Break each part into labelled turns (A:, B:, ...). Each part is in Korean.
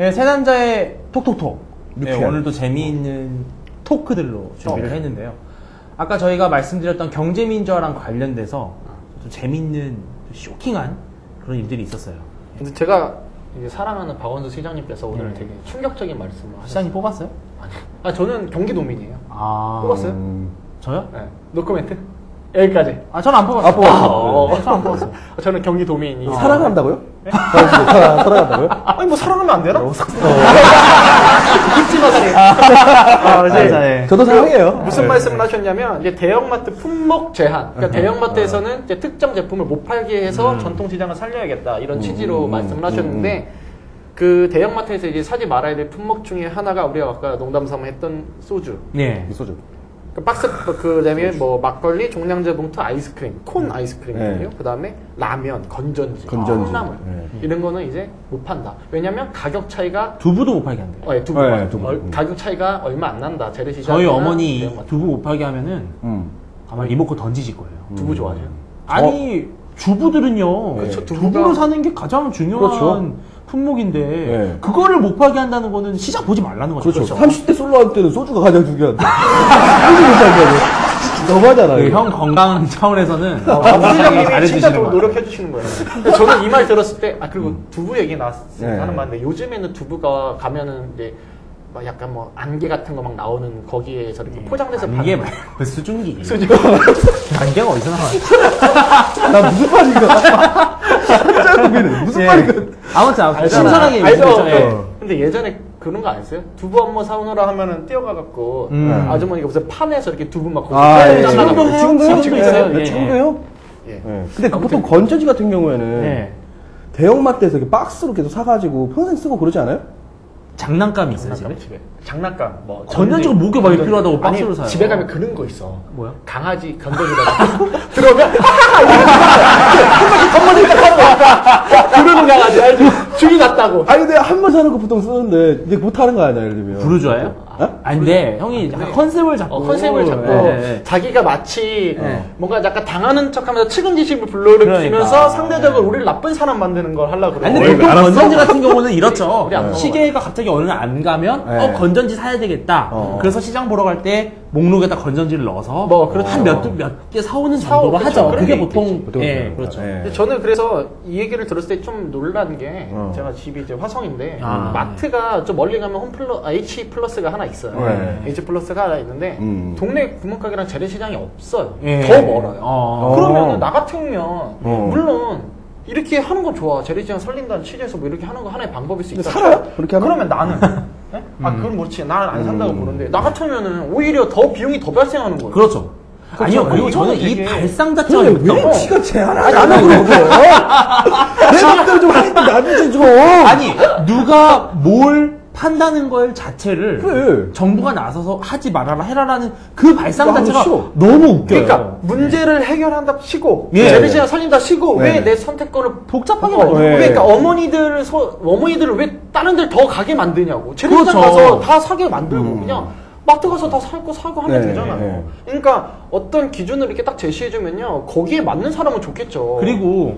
A: 네, 세 남자의 톡톡톡. 네,
B: 유쾌한.
A: 오늘도 재미있는 토크들로 준비를 했는데요. 아까 저희가 말씀드렸던 경제민주화랑 관련돼서 좀 재미있는, 쇼킹한 그런 일들이 있었어요.
C: 근데 제가 이제 사랑하는 박원순 시장님께서 오늘 되게 충격적인 말씀을 하셨어요.
A: 시장님 뽑았어요?
C: 아니, 저는 경기도민이에요.
A: 아.
C: 뽑았어요?
A: 저요?
C: 네. 노코멘트? 여기까지.
A: 아, 저는 안 뽑았어요.
B: 아, 뽑았어요?
A: 네, 저는 안 뽑았어요.
C: 저는 경기도민이.
B: 사랑한다고요? 사랑한다고요?
C: 아니, 뭐 사랑하면 안 되나?
A: 네.
B: 저도 사랑해요.
C: 무슨 말씀을 하셨냐면, 이제 대형마트 품목 제한. 그러니까 대형마트에서는 이제 특정 제품을 못 팔게 해서 전통시장을 살려야겠다. 이런 취지로 말씀을 하셨는데, 그 대형마트에서 이제 사지 말아야 될 품목 중에 하나가 우리가 아까 농담삼아 했던 소주.
A: 네.
B: 소주.
C: 그 박스, 그 다음에 뭐 막걸리, 종량제 봉투, 아이스크림, 콘 아이스크림이거든요. 그 다음에 라면, 건전지, 콩나물. 이런 거는 이제 못 판다. 왜냐면 가격 차이가
A: 두부도 못 팔게 한대요.
C: 두부.
B: 네, 두부.
C: 가격 차이가 얼마 안 난다. 재래시장.
A: 저희 어머니 두부 못 팔게 하면은 아마 리모컨 던지실 거예요.
C: 두부 좋아하죠.
A: 아니, 주부들은요.
C: 그렇죠,
A: 두부를 사는 게 가장 중요한
B: 그렇죠.
A: 품목인데
B: 네.
A: 그거를 못 팔게 한다는 거는 시장 보지 말라는 거죠.
B: 그렇죠. 30대 솔로 할 때는 소주가 가장 중요한데. 소주 못 살게 너무하잖아요.
A: 그 형 건강 차원에서는
C: 시장님이 진짜
A: 잘해주시는
C: 더
A: 거예요.
C: 노력해 주시는 거예요. 근데 저는 이 말 들었을 때, 그리고 두부 얘기 나왔으니까
B: 네.
C: 하는 말인데, 요즘에는 두부가 가면은 이제 막 약간 뭐 안개 같은 거 막 나오는 거기에서 이렇게 포장돼서
A: 이게
C: 파는
A: 말고 수증기.
C: 수증기.
A: 안개가 어디서 나와요?
B: 나 무슨 말인가? 진짜 고민해. 무슨 말인가?
A: 아무튼
C: 알잖아.
A: 신선하게
C: 알죠?
A: 얘기했죠.
C: 네.
A: 예.
C: 근데 예전에 그런 거 안 했어요? 두부 한번 사오느라 하면은 뛰어가갖고 아주머니가 무슨 판에서 이렇게 두부 막
B: 예.
A: 지금도 해요? 지금도 있어요.
B: 네,
A: 예.
B: 지금도 해요?
C: 예.
B: 네. 근데 그 보통 건전지 같은 경우에는
A: 네.
B: 대형마트에서 이렇게 박스로 계속 사가지고 평생 쓰고 그러지 않아요?
A: 장난감이 있어요, 집에?
C: 집에 장난감 뭐
A: 건전지가 목에 많이 필요하다고
C: 아니,
A: 박스로 사요.
C: 집에 가면 그런 거 있어.
A: 뭐야?
C: 강아지 건전지가 들어오면 한번 딱 하는 거야. 그러는 강아지 알지? 죽이 났다고.
B: 아니 근데 한 번 사는 거 보통 쓰는데 이제 못 하는 거 아니야, 예를 들면.
A: 부르주아예요?
B: 어?
A: 아니 근데 형이 약간 컨셉을 잡고
C: 컨셉을 잡고
A: 예.
C: 자기가 마치
A: 네.
C: 뭔가 약간 당하는 척하면서 측은지심을 불러일으키면서
A: 그러니까.
C: 상대적으로 우리를 나쁜 사람 만드는 걸 하려고 그래.
A: 아니 근데 보통
B: 알았어?
A: 건전지 같은 경우는 이렇죠.
C: 우리 안 먹어요.
A: 시계가 갑자기 어느 날 안 가면
B: 네.
A: 건전지 사야 되겠다. 그래서 시장 보러 갈 때 목록에다 건전지를 넣어서
C: 뭐, 그렇죠.
A: 한 몇 개 사오는 정도로
C: 그렇죠.
A: 하죠.
C: 그런
A: 그게
C: 게
A: 보통
B: 보통
A: 예,
B: 그렇죠.
A: 그렇죠.
B: 예.
C: 근데 저는 그래서 이 얘기를 들었을 때 좀 놀란 게 제가 집이 이제 화성인데 마트가 좀 멀리 가면 H 플러스가 하나 있어요.
B: 네.
C: H 플러스가 하나 있는데 동네 구멍가게랑 재래시장이 없어요.
A: 예.
C: 더 멀어요. 그러면 나 같으면 물론 이렇게 하는 건 좋아. 재래시장 살린다는 취지에서 뭐 이렇게 하는 거 하나의 방법일 수 있다.
B: 살아요? 그렇게 하면?
C: 그러면 나는 네? 그건 그렇지. 나는 안 산다고 보는데 나 같으면은 오히려 더 비용이 더 발생하는 거예요.
A: 그렇죠. 아니요, 그리고 저는
C: 이거는
A: 이
C: 되게-
A: 발상 자체가
B: 근데
A: 재밌다고.
B: 왜 지가 제안하지 않아, 그런 거? 내 맘대로 좀 하는데 나중에 좀.
A: 아니, 누가 뭘 판다는 걸 자체를
B: 그래.
A: 정부가 나서서 하지 말아라 해라라는 그 발상
B: 너무
A: 자체가
B: 싫어.
A: 너무 웃겨요.
C: 그러니까 문제를 해결한다 치고
A: 예.
C: 재래시장 살린다 치고
B: 네.
C: 왜 내 선택권을
A: 복잡하게
C: 어,
A: 만들어.
B: 네.
C: 그러니까 어머니들을 왜 다른 데를 더 가게 만드냐고. 재래시장
A: 그렇죠.
C: 가서 다 사게 만들고 그냥 마트 가서 다 사고 하면
B: 네,
C: 되잖아요.
B: 네.
C: 그러니까 어떤 기준을 이렇게 딱 제시해주면요 거기에 맞는 사람은 좋겠죠.
A: 그리고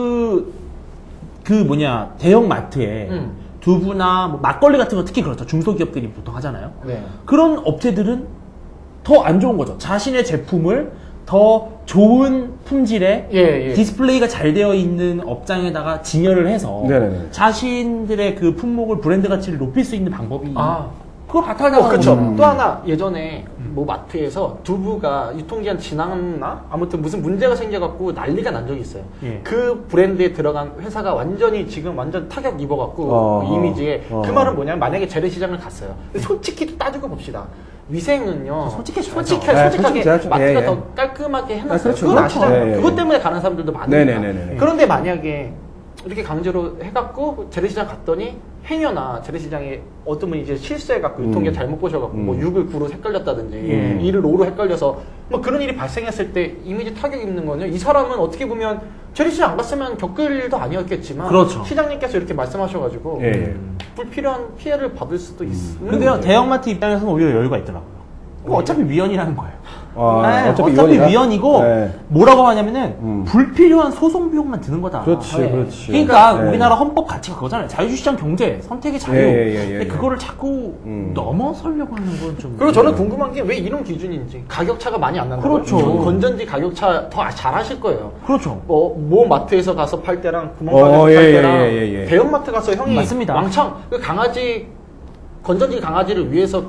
A: 대형 마트에 두부나 뭐 막걸리 같은 거 특히 그렇죠. 중소기업들이 보통 하잖아요.
C: 네.
A: 그런 업체들은 더 안 좋은 거죠. 자신의 제품을 더 좋은 품질의
C: 예.
A: 디스플레이가 잘 되어 있는 업장에다가 진열을 해서
B: 네네네.
A: 자신들의 그 품목을 브랜드 가치를 높일 수 있는 방법이 그걸
C: 어,
A: 바탕하는
C: 그렇죠.
A: 거죠.
C: 또 하나 예전에 뭐 마트에서 두부가 유통기한 지났나? 아무튼 무슨 문제가 생겨갖고 난리가 난 적이 있어요.
A: 예.
C: 그 브랜드에 들어간 회사가 완전히 지금 완전 타격 입어갖고 이미지에 그 말은 뭐냐면 만약에 재래시장을 갔어요. 근데 솔직히 따지고 봅시다. 위생은요. 솔직하게
B: 해야죠.
C: 마트가
B: 예.
C: 더 깔끔하게 해놨어요.
B: 그렇죠.
C: 그건
B: 그렇죠.
C: 아시잖아요.
B: 예.
C: 그것 때문에 가는 사람들도 많으니까.
B: 네네네네.
C: 그런데 만약에 이렇게 강제로 해갖고 재래시장 갔더니 행여나 재래시장에 어떤 분이 이제 실수해갖고 유통기한 잘못 보셔갖고 뭐 6을 9로 헷갈렸다든지 2를 5로 헷갈려서 뭐 그런 일이 발생했을 때 이미지 타격 입는 거는요. 이 사람은 어떻게 보면 재래시장 안 갔으면 겪을 일도 아니었겠지만
A: 그렇죠.
C: 시장님께서 이렇게 말씀하셔가지고
B: 예.
C: 불필요한 피해를 받을 수도 있는
A: 근데요,
C: 거예요.
A: 대형마트 입장에서는 오히려 여유가 있더라고요. 어차피 위헌이라는 거예요. 네,
B: 어차피
A: 어차피 위헌이고
B: 네.
A: 뭐라고 하냐면은 불필요한 소송 비용만 드는 거다.
B: 그렇지,
C: 네.
B: 그렇지.
A: 그러니까
B: 네.
A: 우리나라 헌법 가치가 그거잖아요. 자유시장 경제, 선택의 자유. 근데 그거를 자꾸 넘어서려고 하는 건 좀.
C: 그리고 저는 궁금한 게 왜 이런 기준인지 가격 차가 많이 안 난다고요?
A: 그렇죠.
C: 건전지 가격 차 더 잘하실 거예요.
A: 그렇죠.
C: 뭐 마트에서 가서 팔 때랑 구멍가게에서 팔 때랑 대형마트 가서 형이
A: 맞습니다.
C: 왕창 그 강아지 건전지 강아지를 위해서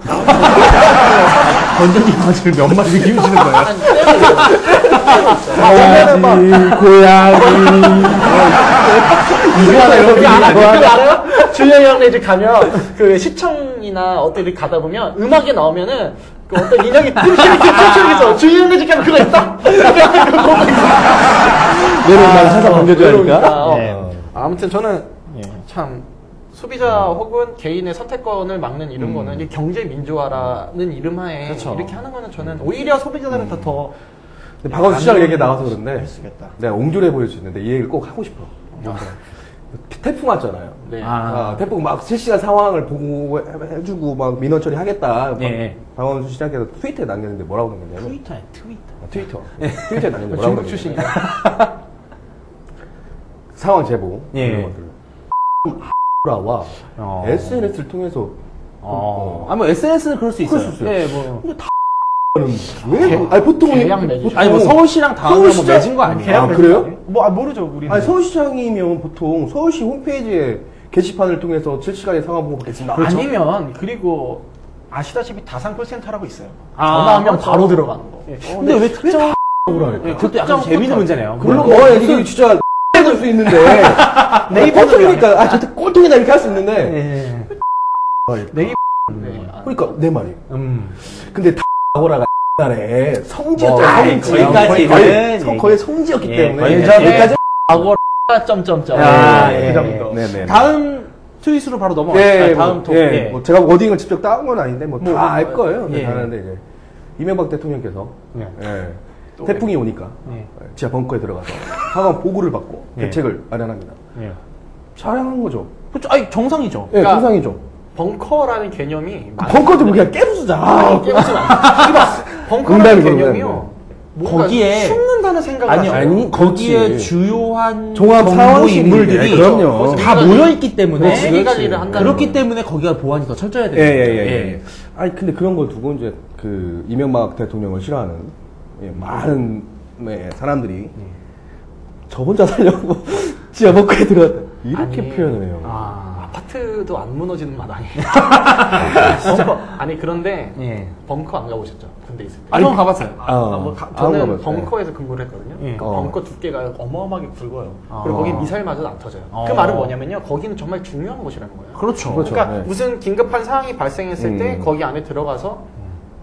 A: 건전지 강아지를 몇 마리 키우시는 거예요?
B: 강아지, 고양이.
A: 이거 이런
C: 그거 알아요? 준영이 형네 집 가면 그 시청이나 어디 이렇게 가다 보면 음악이 나오면은 그 어떤 인형이 춤추면서 준영이 형네 집 가면 그거 있다?
B: 내려오면 항상 건져줘야니까.
A: 네.
C: 아무튼 저는 참 소비자 혹은 개인의 선택권을 막는 이런 거는 이 경제 민주화라는 이름하에
A: 그렇죠.
C: 이렇게 하는 거는 저는 오히려 소비자들한테 더
B: 근데 박원순 시장 얘기 나와서 그런데
C: 쓰겠다.
B: 내가 옹졸해 보일 수 있는데 이 얘기를 꼭 하고 싶어. 태풍 왔잖아요.
C: 네.
B: 태풍 막 실시간 상황을 보고 해주고 막 민원 처리하겠다.
A: 네.
B: 박원순 시장께서 트위터에 남겼는데 뭐라고 남겼냐면
A: 트위터에 트위터.
B: 트위터에 남겼는데 뭐라고
C: 중국
B: 남겼냐면
C: 출신이다.
B: 상황 제보
A: 예.
B: 이런 것들 와 SNS를 통해서
A: 뭐 SNS는 그럴 수 있어요.
B: 그럴 수 있어요.
A: 예, 뭐.
B: 왜? 아니 보통
C: 계약 맺으죠.
A: 아니 뭐 서울시랑 다음에 뭐
B: 서울시장-
A: 맺은 거 아니에요?
B: 아, 그래요?
C: 모르죠 우리는.
B: 아니 서울시장이면 보통 서울시 홈페이지에 게시판을 통해서 실시간에 상황 보고 받겠습니다.
C: 아니면 그리고 아시다시피 다산 콜센터라고 있어요.
A: 아,
C: 전화하면
A: 그렇죠.
C: 바로 들어가는 거.
A: 근데 왜 특정?
B: 뭐랄까?
A: 예, 그것도 약간 재밌는 문제네요.
B: 물론 이게 진짜 해줄 수 있는데
C: 네이버는
B: 꼴통이니까 저한테 꼴통이다 이렇게 할 수 있는데
A: 예.
C: 네이버.
B: 그러니까 내 말이. 근데 다고라가 옛날에
A: 뭐,
B: 성지였잖아요.
A: 거기까지는
B: 거의 성지였기
A: 예,
B: 때문에
A: 예전에
C: 과거 점점점.
A: 아,
C: 그
A: 예.
C: 정도.
B: 네네.
A: 다음 트윗으로 바로 넘어갈까요? 다음 톡. 예.
B: 뭐 제가 워딩을 직접 따온 건 아닌데 뭐 다 알 거예요. 근데
A: 예.
B: 다는데 이제 이명박 대통령께서 태풍이 오니까 지하 벙커에 들어가서 상황 보고를 받고 대책을 마련합니다.
A: 예.
B: 잘한 거죠.
A: 그렇죠. 아니 정상이죠.
B: 예,
C: 그러니까
B: 정상이죠.
C: 벙커라는 개념이
B: 벙커 좀 그냥 깨부수자.
C: 깨우치면 안 돼. 벙커라는
B: 농담이고,
C: 개념이요. 뭔가
A: 거기에-
C: 숨는다는 생각을
A: 아니요.
C: 하세요.
B: 아니,
A: 거기에
B: 그렇지.
A: 주요한
B: 종합
A: 정보
B: 상황실이
A: 인물들이
B: 그럼요.
A: 다 모여 있기 때문에
C: 세계 관리를 한다는
A: 그렇기
C: 거예요.
A: 때문에 거기가 보안이 더 철저해야 돼요.
B: 예. 아니 근데 그런 걸 두고 이제 그 이명박 대통령을 싫어하는 많은 사람들이 저 혼자 살려고 지하 벙커에 들어갔다 이렇게
C: 아니,
B: 표현을 해요.
C: 아파트도 안 무너지는 마당에. 벙커. 아니 그런데
A: 예.
C: 벙커 안 가보셨죠? 군대 있을 때.
A: 아니, 저 가봤어요.
C: 저는
B: 가봤어요.
C: 벙커에서 근무를 했거든요.
A: 예.
C: 그 벙커 두께가 어마어마하게 굵어요. 그리고 거기 미사일 맞아도 안 터져요.
A: 어.
C: 그 말은 뭐냐면요. 거기는 정말 중요한 곳이라는 거예요.
A: 그렇죠.
B: 그렇죠.
C: 그러니까
B: 네.
C: 무슨 긴급한 상황이 발생했을 때 거기 안에 들어가서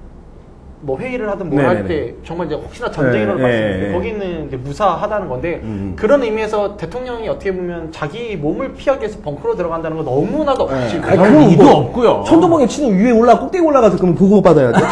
C: 뭐 회의를 하든 뭘 할 때 정말 이제 혹시나 전쟁이 일어날 발생했을 때 거기는 이제 무사하다는 건데 그런 의미에서 대통령이 어떻게 보면 자기 몸을 피하기 위해서 벙커로 들어간다는 건 너무나도 억지.
B: 아니,
A: 그런
B: 그럼
A: 이도
B: 뭐
A: 없고요.
B: 천둥번개 치는 위에 꼭대기 올라가서 그러면 보고 받아야 돼.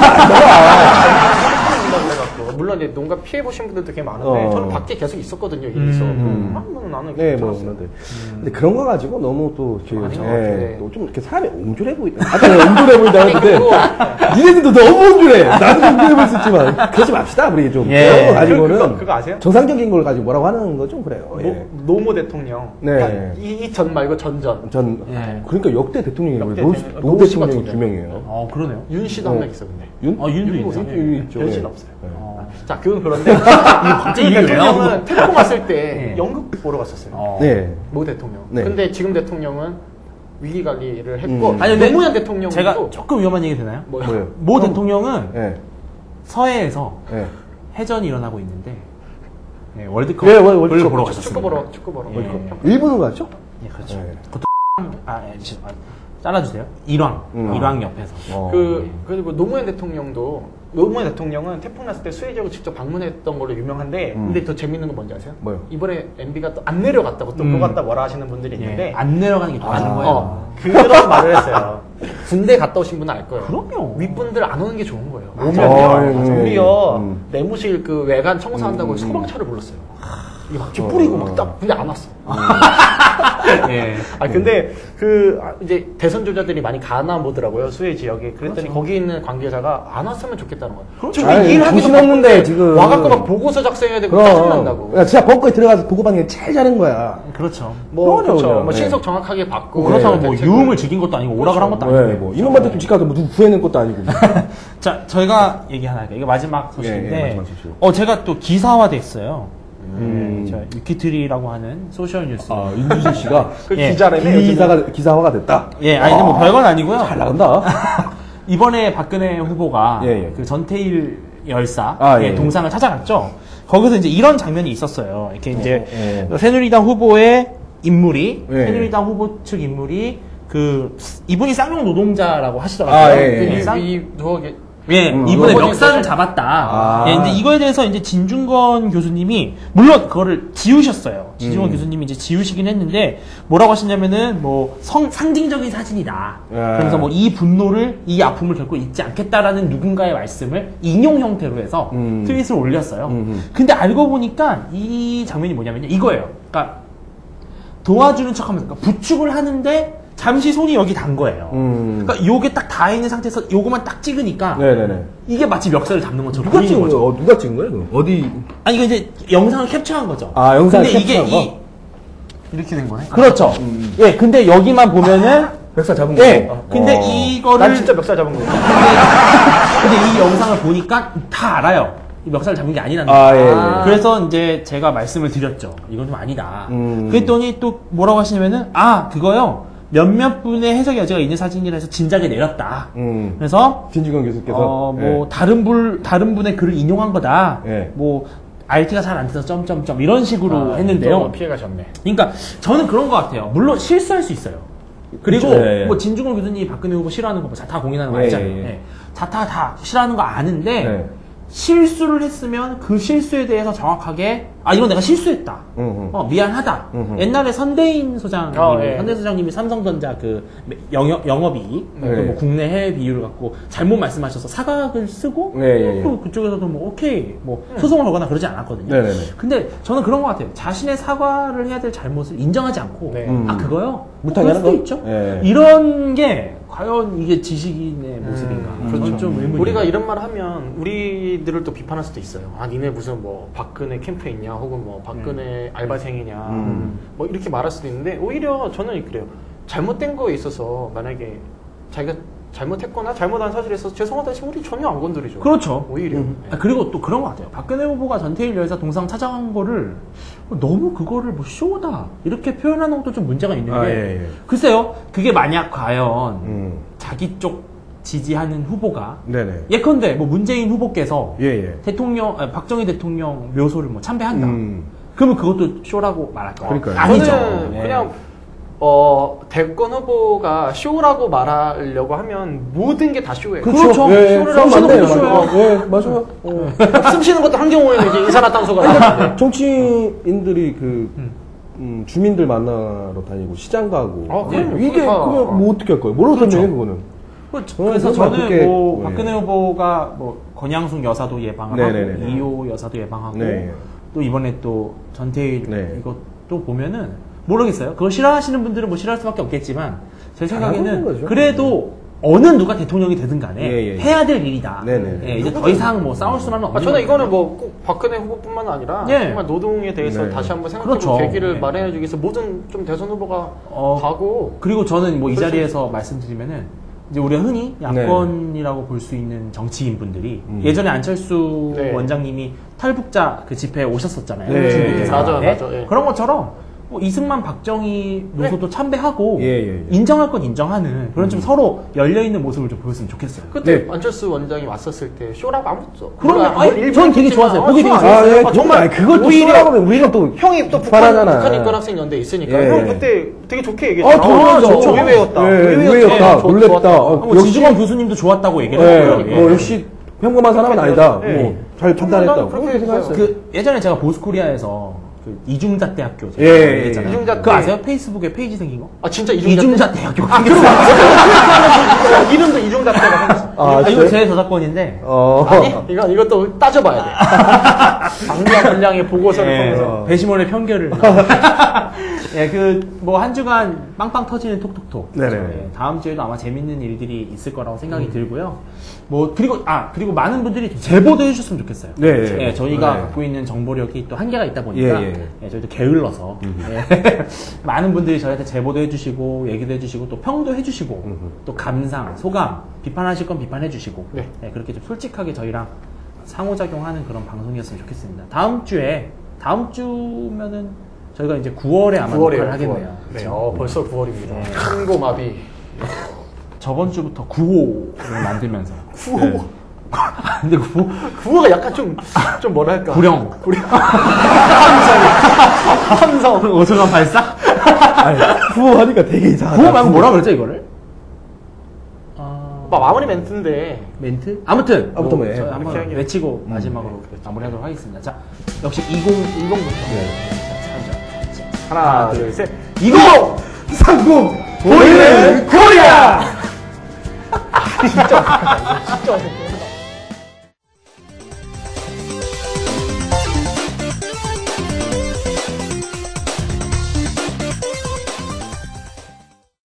C: 물론 이제 농가 피해 보신 분들도 꽤 많은데 저는 밖에 계속 있었거든요. 일에서 나는
B: 네,
C: 뭐
B: 근데 그런 거 가지고 너무 또
C: 아닌 것 같은데.
B: 또 좀 이렇게 사람이 옹졸해 보인다. 아까 내가 옹졸해 보인다
C: 아니,
B: 했는데
C: 그리고
B: 니네들도 너무 옹졸해. 나도 옹졸해 보일 수 있지만 그러지 맙시다. 우리 좀
A: 예.
B: 그런 거 가지고는
C: 그거 아세요?
B: 정상적인 걸 가지고 뭐라고 하는 거 좀 그래요. 예.
C: 노모 대통령.
B: 네.
C: 이 전 말고 전전.
B: 전
A: 예.
B: 그러니까 역대 대통령이
C: 역대
B: 노
C: 대통령,
B: 노
C: 노 씨가
B: 대통령이
C: 두
B: 두 명이에요.
A: 그러네요.
C: 윤 씨도 한 명 있어 근데.
B: 윤?
A: 윤도
C: 윤
A: 있어요?
B: 윤 있죠.
C: 변신
B: 예.
C: 없어요.
B: 예.
C: 자, 그건 그런데
A: 갑자기
C: 그
A: 이유예요?
C: 대통령은 태풍 왔을 때
A: 예.
C: 연극 보러 갔었어요.
B: 네.
C: 모 대통령.
B: 네.
C: 근데 지금 대통령은 위기 관리를 했고
A: 아니, 근데
C: 노무현 대통령도
A: 제가 조금 위험한 얘기 되나요?
B: 뭐예요?
A: 모 대통령은
B: 예.
A: 서해에서
B: 예.
A: 해전이 일어나고 있는데 월드컵
B: 예, 월드컵
A: 을 보러
C: 축구
A: 가셨습니다.
C: 축구 보러.
A: 예.
B: 일본으로 갔죠?
A: 예, 그렇죠.
B: 예.
A: 그것도 잘라주세요. 일왕 옆에서.
C: 그리고 노무현 대통령은 태풍 났을 때 수해 지역을 직접 방문했던 걸로 유명한데 근데 더 재밌는 건 뭔지 아세요?
B: 뭐요?
C: 이번에 MB가 또 안 내려갔다고 또 그거 갔다 뭐라 하시는 분들이 있는데
A: 예, 안 내려가는 게 더 좋은 거예요.
C: 그런 말을 했어요. 군대 갔다 오신 분은 알 거예요.
A: 그럼요.
C: 윗분들 안 오는 게 좋은 거예요.
B: 맞아요.
C: 오면요. 우리요 내무실 그 외관 청소한다고 소방차를 불렀어요. 이거 막 뿌리고 막 딱 근데 안 왔어.
A: 예.
C: 근데 이제 대선 주자들이 많이 가나 보더라고요, 수해 지역에. 그랬더니 거기 있는 관계자가 안 왔으면 좋겠다는 거예요.
A: 그렇죠.
C: 일하기도
B: 정신없는데
C: 바쁜데
B: 지금
C: 와갖고 막 보고서 작성해야 되고 짜증난다고.
B: 야, 진짜 벙커에 들어가서 보고받는 게 제일 잘한 거야.
A: 그렇죠.
C: 그렇죠.
B: 네.
C: 신속 정확하게 받고.
A: 그렇다고 뭐
C: 대책을-
A: 유흥을 즐긴 것도 아니고 오락을 한 것도 아니고.
B: 네, 뭐 이놈한테 집 가서 뭐 누구 구해낸 것도 아니고.
A: 자, 저희가 얘기 하나 할게요. 이거 마지막 소식인데,
B: 예, 마지막 소식.
A: 제가 또 기사화됐어요. 저 위키트리라고 하는 소셜 뉴스.
B: 아, 윤주진 씨가
C: 그
A: 예.
C: 기자라며.
B: 기사화가 됐다.
A: 예, 아니, 근데 뭐 별건 아니고요.
B: 잘 나간다.
A: 이번에 박근혜 후보가
B: 예, 예.
A: 그 전태일 열사
B: 예, 예.
A: 동상을 찾아갔죠. 거기서 이제 이런 장면이 있었어요. 이렇게 이제
B: 예.
A: 새누리당 후보의 인물이
B: 예.
A: 새누리당 후보 측 인물이 이분이 쌍용 노동자라고 하시더라고요.
B: 아, 예, 예.
A: 이분의
B: 로봇이
A: 멱살을 잡았다.
B: 아.
A: 예, 근데 이거에 대해서 이제 진중권 교수님이 물론 그거를 지우셨어요. 진중권 교수님이 이제 지우시긴 했는데 뭐라고 하시냐면은 뭐 상징적인 사진이다.
B: 예.
A: 그래서 뭐 이 분노를 이 아픔을 결코 잊지 않겠다라는 누군가의 말씀을 인용 형태로 해서 트윗을 올렸어요. 근데 알고 보니까 이 장면이 뭐냐면요. 이거예요. 그러니까 도와주는 척하면서 그러니까 부축을 하는데 잠시 손이 여기 단 거예요. 그러니까 요게 딱 닿아 있는 상태에서 요거만 딱 찍으니까
B: 네네네.
A: 이게 마치 멱살을 잡는 것처럼
B: 누가
A: 보이는
B: 찍은
A: 거죠.
B: 거예요? 누가 찍은 거예요? 그럼? 어디?
A: 아니 이거 이제 영상을 캡처한 거죠.
B: 아, 영상을
A: 근데 이게
B: 캡처한 거?
C: 이렇게 된 거네.
A: 그렇죠. 예, 근데 여기만 보면은
B: 멱살 잡은
A: 예.
B: 거예요?
A: 근데 이거를
C: 난 진짜 멱살 잡은 거야.
A: 근데 이 영상을 보니까 다 알아요. 이 멱살 잡은 게 아니라는 거.
B: 아, 예.
A: 그래서 이제 제가 말씀을 드렸죠. 이건 좀 아니다.
B: 음.
A: 그랬더니 또 뭐라고 하시냐면은 그거요. 몇몇 분의 해석의 여지가 있는 사진이라 해서 진작에 내렸다. 그래서
B: 진중권 교수께서
A: 뭐 다른 분의 글을 인용한 거다.
B: 예.
A: 뭐 RT가 잘 안 돼서 점점점 이런 식으로 했는데요.
C: 피해 가셨네.
A: 그러니까 저는 그런 것 같아요. 물론 실수할 수 있어요. 그리고
B: 그렇죠. 예, 예.
A: 뭐 진중권 교수님이 박근혜 후보 싫어하는 거 뭐 자타 공인하는 거
B: 예,
A: 알잖아요.
B: 예, 예.
A: 예. 자타 다 싫어하는 거 아는데
B: 예.
A: 실수를 했으면 그 실수에 대해서 정확하게 이건 내가 실수했다. 미안하다. 옛날에 선대인 소장님,
C: 예.
A: 선대인 소장님이 삼성전자 그 영업이익,
B: 예.
A: 뭐 국내 해외 비율을 갖고 잘못 말씀하셔서 사각을 쓰고
B: 예, 예.
A: 또 그쪽에서도 뭐 오케이 뭐 소송을 걸거나 그러지 않았거든요.
B: 네네네.
A: 근데 저는 그런 것 같아요. 자신의 사과를 해야 될 잘못을 인정하지 않고
C: 네.
A: 그거요?
B: 못하게
A: 그럴
B: 하는
A: 수도
B: 거?
A: 있죠.
B: 예.
A: 이런 게 과연 이게 지식인의 모습인가?
C: 그렇죠.
A: 좀 의문이에요.
C: 우리가 이런 말 하면 우리들을 또 비판할 수도 있어요. 니네 무슨 뭐 박근혜 캠프에 있냐, 혹은 뭐 박근혜 알바생이냐, 뭐 이렇게 말할 수도 있는데 오히려 저는 그래요. 잘못된 거에 있어서 만약에 자기가 잘못했거나 잘못한 사실에 있어서 죄송하다 했으면 우리 전혀 안 건드리죠.
A: 그렇죠.
C: 오히려.
A: 그리고 또 그런 것 같아요. 박근혜 후보가 전태일 열사 동상 찾아간 거를 너무 그거를 뭐 쇼다 이렇게 표현하는 것도 좀 문제가 있는 게
B: 예, 예.
A: 글쎄요. 그게 만약 과연 자기 쪽 지지하는 후보가
B: 네네.
A: 예컨대 뭐 문재인 후보께서
B: 예.
A: 박정희 대통령 묘소를 뭐 참배한다. 그러면 그것도 쇼라고 말할까요?
B: 그러니까요.
A: 아니죠.
C: 저는
A: 네.
C: 그냥 대권 후보가 쇼라고 말하려고 하면 모든 게 다 쇼예요.
A: 그렇죠.
B: 예,
A: 쇼를
B: 그건
A: 하시는
B: 맞네요.
A: 것도 쇼예요.
B: 예, 맞아요.
C: 숨 쉬는 것도 한 경우에는 이제 이산화탄소가 나오는데.
B: 정치인들이 주민들 만나러 다니고 시장 가고
C: 그럼요.
B: 이게
C: 그러니까.
B: 그러면 뭐 어떻게 할 거예요? 뭐라고 설명해 그거는?
A: 그래서
B: 그건
A: 저는
B: 어떻게-
A: 뭐
B: 네.
A: 박근혜 후보가 뭐 권양숙 여사도 예방을
B: 네네네.
A: 하고 이호 여사도 예방하고
B: 네.
A: 또 이번에 또 전태일
B: 네.
A: 이것도 보면은 모르겠어요. 그거 싫어하시는 분들은 뭐 싫어할 수밖에 없겠지만 제
B: 잘하는
A: 생각에는
B: 거죠.
A: 그래도 어느 누가 대통령이 되든 간에
B: 예.
A: 해야 될 일이다.
B: 네네.
A: 예, 이제 더 이상 뭐 싸울 수는 없는
C: 저는
A: 거죠.
C: 이거는 뭐 꼭 박근혜 후보뿐만 아니라
A: 예.
C: 정말 노동에 대해서
B: 네.
C: 다시 한번 생각해볼
A: 그렇죠.
C: 계기를
A: 네.
C: 마련해주기 위해서 모든 좀 대선 후보가
A: 어,
C: 가고
A: 그리고 저는 뭐 이
C: 그렇죠.
A: 자리에서 말씀드리면은 이제 우리가 흔히 야권이라고 볼 수 있는 정치인 분들이 예전에 안철수
C: 네.
A: 원장님이 탈북자 그 집회에 오셨었잖아요.
B: 네.
A: 중국에서.
C: 맞아요,
A: 네.
C: 맞아요. 예.
A: 그런 것처럼 뭐 이승만 박정희 노소도 참배하고
B: 예.
A: 인정할 건 인정하는 그런 좀 서로 열려 있는 모습을 좀 보였으면 좋겠어요.
C: 그때
B: 네.
C: 안철수 원장이 왔었을 때 쇼라고 아무것도
A: 그럼요.
C: 물론
A: 아니, 전 되게 좋았어요. 보기 되게
B: 아,
C: 정말
B: 그걸 또
C: 오히려
B: 쇼라고 하면 우리가 또
C: 형이 또
B: 비판하잖아.
C: 북한 인권학생 연대에 있으니까
B: 예.
C: 형 그때 되게 좋게 얘기했잖아.
B: 당연하죠.
C: 좋죠. 의외였다.
B: 의외였다.
C: 좋-
B: 놀랬다.
C: 좋았다.
A: 뭐 진중권 교수님도 좋았다고 얘기를
B: 예,
A: 하더라고요.
B: 뭐 역시 평범한 사람은 아니다.
C: 예.
B: 뭐 잘 판단했다고.
C: 그렇게
B: 그렇게 생각했어요.
A: 그 예전에 제가 보스코리아에서 그 이중자 대학교
B: 예,
A: 얘기했잖아요.
C: 이중자
A: 그거
C: 대-
A: 아세요? 페이스북에 페이지 생긴 거?
C: 아 진짜
A: 이중자 대학교.
C: 이름도 이중자 때가 생겼어.
B: 아,
A: 이거
B: 진짜요?
A: 제 저작권인데
C: 아니 이것도 따져봐야 돼. 방대한 분량의 보고서를
A: 예,
C: 통해서.
A: 배심원의 편결을. 예, 뭐 한 주간 빵빵 터지는 톡톡톡.
B: 네네.
A: 예, 다음 주에도 아마 재밌는 일들이 있을 거라고 생각이 들고요. 뭐 그리고 많은 분들이 좀 제보도 해주셨으면 좋겠어요.
B: 네.
A: 예, 저희가
B: 네.
A: 갖고 있는 정보력이 또 한계가 있다 보니까
B: 예.
A: 예, 저희도 게을러서 예, 많은 분들이 저희한테 제보도 해주시고 얘기도 해주시고 또 평도 해주시고 또 감상, 소감, 비판하실 건 비판해주시고
C: 네.
A: 예, 그렇게 좀 솔직하게 저희랑 상호작용하는 그런 방송이었으면 좋겠습니다. 다음 주면은 저희가 이제 9월에 아마
C: 9월이에요.
A: 녹화를 하겠네요.
C: 네,
A: 그렇죠?
C: 벌써 9월입니다.
A: 네.
C: 천고마비.
A: 저번 주부터 9호를 만들면서
C: 9호.
A: 근데 9호
C: 9호가 약간 좀 뭐랄까.
A: 구령
C: 함성.
A: 오승환 발사?
B: 아니, 구호하니까 되게 이상하다.
A: 9호 말고 뭐라 그랬죠 이거를?
C: 마무리 멘트인데.
A: 멘트? 아무튼
B: 아무튼 뭐, 예.
A: 저희 한번
C: 이렇게
A: 외치고 마지막으로
C: 그렇죠.
A: 마무리하도록 하겠습니다. 자, 역시 2010부터
C: 하나, 둘, 셋.
B: 30
C: 보이는 코리아! 진짜 어색하다. 이거 진짜 어색해.